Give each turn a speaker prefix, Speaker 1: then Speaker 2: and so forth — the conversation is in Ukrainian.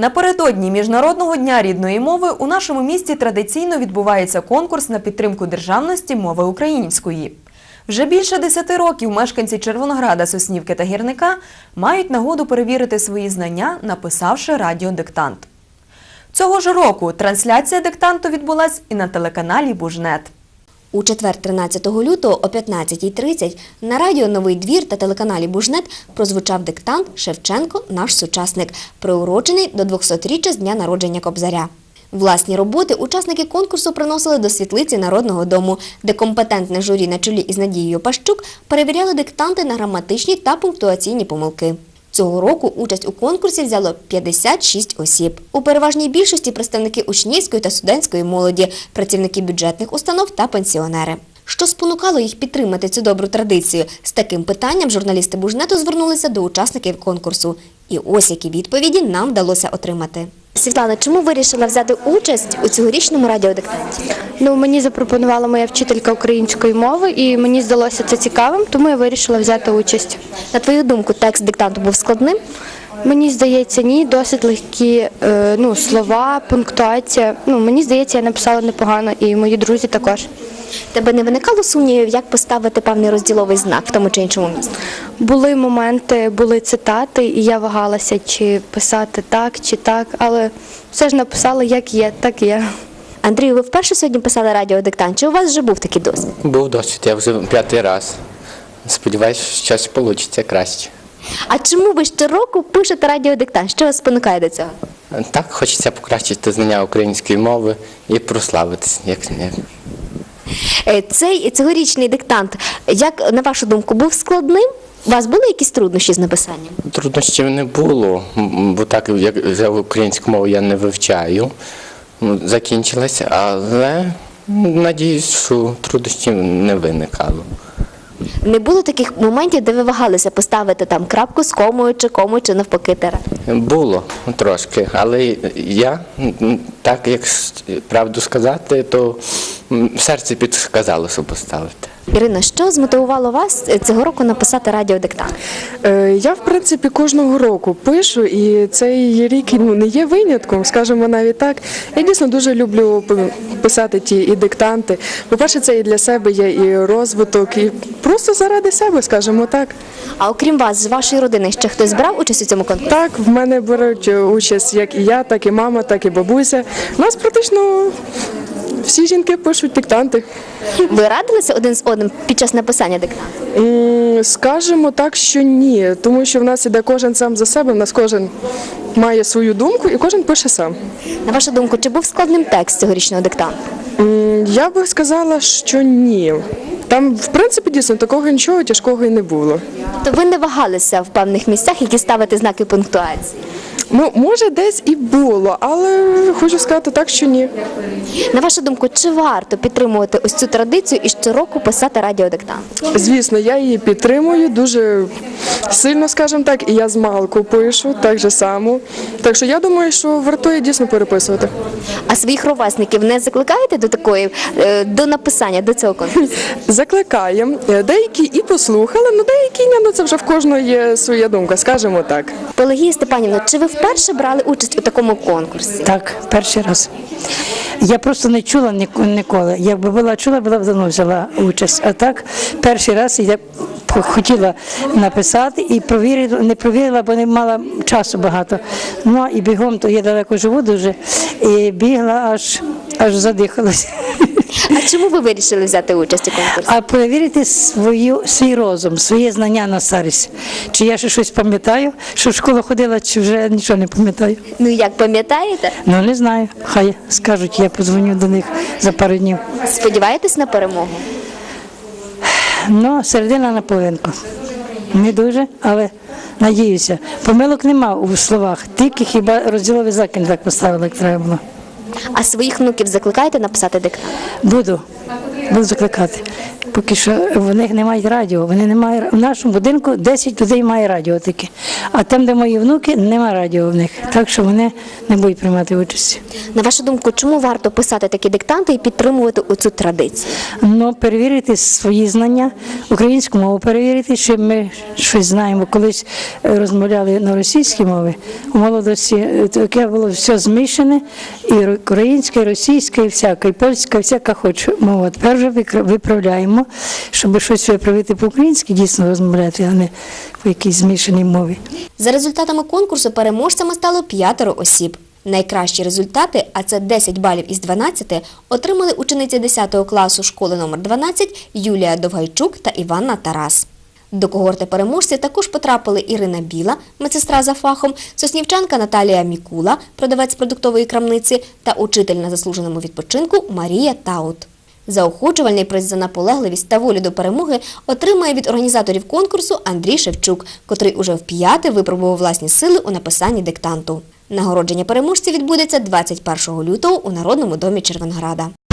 Speaker 1: Напередодні Міжнародного дня рідної мови у нашому місті традиційно відбувається конкурс на підтримку державності мови української. Вже більше 10 років мешканці Червонограда, Соснівки та Гірника мають нагоду перевірити свої знання, написавши радіодиктант. Цього ж року трансляція диктанту відбулась і на телеканалі «Бужнет».
Speaker 2: У четвер 13 лютого о 15:30 на радіо «Новий двір» та телеканалі «Бужнет» прозвучав диктант «Шевченко – наш сучасник», приурочений до 200-річчя з дня народження Кобзаря. Власні роботи учасники конкурсу приносили до світлиці Народного дому, де компетентне журі на чолі із Надією Пащук перевіряли диктанти на граматичні та пунктуаційні помилки. Цього року участь у конкурсі взяло 56 осіб. У переважній більшості представники учнівської та студентської молоді, працівники бюджетних установ та пенсіонери. Що спонукало їх підтримати цю добру традицію? З таким питанням журналісти «Бужнету» звернулися до учасників конкурсу. І ось які відповіді нам вдалося отримати. Світлана, чому вирішила взяти участь у цьогорічному радіодиктанті?
Speaker 3: Мені запропонувала моя вчителька української мови, і мені здалося це цікавим, тому я вирішила взяти участь.
Speaker 2: На твою думку, текст диктанту був складним?
Speaker 3: Мені здається, ні, досить легкі слова, пунктуація. Мені здається, я написала непогано, і мої друзі також.
Speaker 2: Тебе не виникало сумнівів, як поставити певний розділовий знак в тому чи іншому місці?
Speaker 3: Були моменти, були цитати, і я вагалася, чи писати так, чи так, але все ж написала, як є, так є.
Speaker 2: Андрію, ви вперше сьогодні писали радіодиктант, чи у вас вже був такий досвід?
Speaker 4: Був досвід, я вже 5-й раз. Сподіваюсь, що щось вийде краще.
Speaker 2: А чому ви щороку пишете радіодиктант? Що вас спонукає до цього?
Speaker 4: Так, хочеться покращити знання української мови і прославитися, як не.
Speaker 2: Цей цьогорічний диктант, як, на вашу думку, був складним? У вас були якісь труднощі з написанням?
Speaker 4: Труднощів не було, бо так, як за українську мову я не вивчаю, закінчилася, але надіюсь, що труднощів не виникало.
Speaker 2: Не було таких моментів, де ви вагалися поставити там крапку з комою, чи навпаки тире?
Speaker 4: Було трошки, але я, так як правду сказати, то серце підказало, що поставити.
Speaker 2: Ірина, що змотивувало вас цього року написати радіодиктант?
Speaker 5: Я, в принципі, кожного року пишу, і цей рік не є винятком, скажімо навіть так. Я дійсно дуже люблю писати ті і диктанти. По-перше, це і для себе є і розвиток, і просто заради себе, скажімо так.
Speaker 2: А окрім вас, з вашої родини, ще хтось брав участь у цьому конкурсі?
Speaker 5: Так, в мене беруть участь як і я, так і мама, так і бабуся. У нас практично всі жінки пишуть диктанти.
Speaker 2: Ви радилися один з одним під час написання диктанту?
Speaker 5: Скажемо так, що ні, тому що в нас іде кожен сам за себе, в нас кожен має свою думку і кожен пише сам.
Speaker 2: На вашу думку, чи був складним текст цьогорічного диктанту?
Speaker 5: Я би сказала, що ні. Там, в принципі, дійсно, такого нічого тяжкого і не було.
Speaker 2: Тобто ви не вагалися в певних місцях, які ставити знаки пунктуації?
Speaker 5: Може, десь і було, але хочу сказати так, що ні.
Speaker 2: На вашу думку, чи варто підтримувати ось цю традицію і щороку писати радіодиктант?
Speaker 5: Звісно, я її підтримую дуже сильно, скажімо так, і я з малку пишу, так же само. Так що я думаю, що вартує дійсно переписувати.
Speaker 2: А своїх ровесників не закликаєте до написання, до цього конкурсу?
Speaker 5: Закликаємо. Деякі і послухали, але деякі ні, це вже в кожного є своя думка, скажімо так.
Speaker 2: Пелагія Степанівна, чи ви вперше брали участь у такому конкурсі?
Speaker 6: Так, перший раз. Я просто не чула ніколи. Якби була чула, була б давно взяла участь. А так, перший раз я хотіла написати і не провірила, бо не мала часу багато. Ну і бігом, то я далеко живу дуже, і бігла, аж задихалася.
Speaker 2: А чому ви вирішили взяти участь у конкурсі?
Speaker 6: А перевірити свій розум, своє знання на старість. Чи я ще щось пам'ятаю, що в школу ходила, чи вже нічого не пам'ятаю.
Speaker 2: Ну як, пам'ятаєте?
Speaker 6: Не знаю. Хай скажуть, я подзвоню до них за пару днів.
Speaker 2: Сподіваєтесь на перемогу?
Speaker 6: Середина на половинку. Не дуже, але надіюся. Помилок нема у словах, тільки хіба розділовий знак не так поставили, як треба було.
Speaker 2: А своїх внуків закликаєте написати диктант?
Speaker 6: Буду закликати. поки що в них немає радіо. Вони не мають, в нашому будинку 10 людей має радіо таке. А там, де мої внуки, немає радіо в них. Так що вони не будуть приймати участі.
Speaker 2: На вашу думку, чому варто писати такі диктанти і підтримувати оцю традицію?
Speaker 6: Ну, перевірити свої знання, українську мову перевірити, щоб ми щось знаємо. Колись розмовляли на російській мові, у молодості таке було все змішане, і українська, і російська, і всяка, і польська, і всяка хоч мова. Тепер вже виправляємо, щоб щось виправити по-українськи, дійсно розмовляти, а не по якійсь змішаній мові.
Speaker 2: За результатами конкурсу переможцями стало 5 осіб. Найкращі результати, а це 10 балів із 12, отримали учениці 10 класу школи номер 12 Юлія Довгайчук та Іванна Тарас. До когорти переможців також потрапили Ірина Біла, медсестра за фахом, соснівчанка Наталія Мікула, продавець продуктової крамниці, та учитель на заслуженому відпочинку Марія Таут. Заохочувальний приз за наполегливість та волю до перемоги отримає від організаторів конкурсу Андрій Шевчук, котрий уже вп'яте випробував власні сили у написанні диктанту. Нагородження переможців відбудеться 21 лютого у Народному домі Червонограда.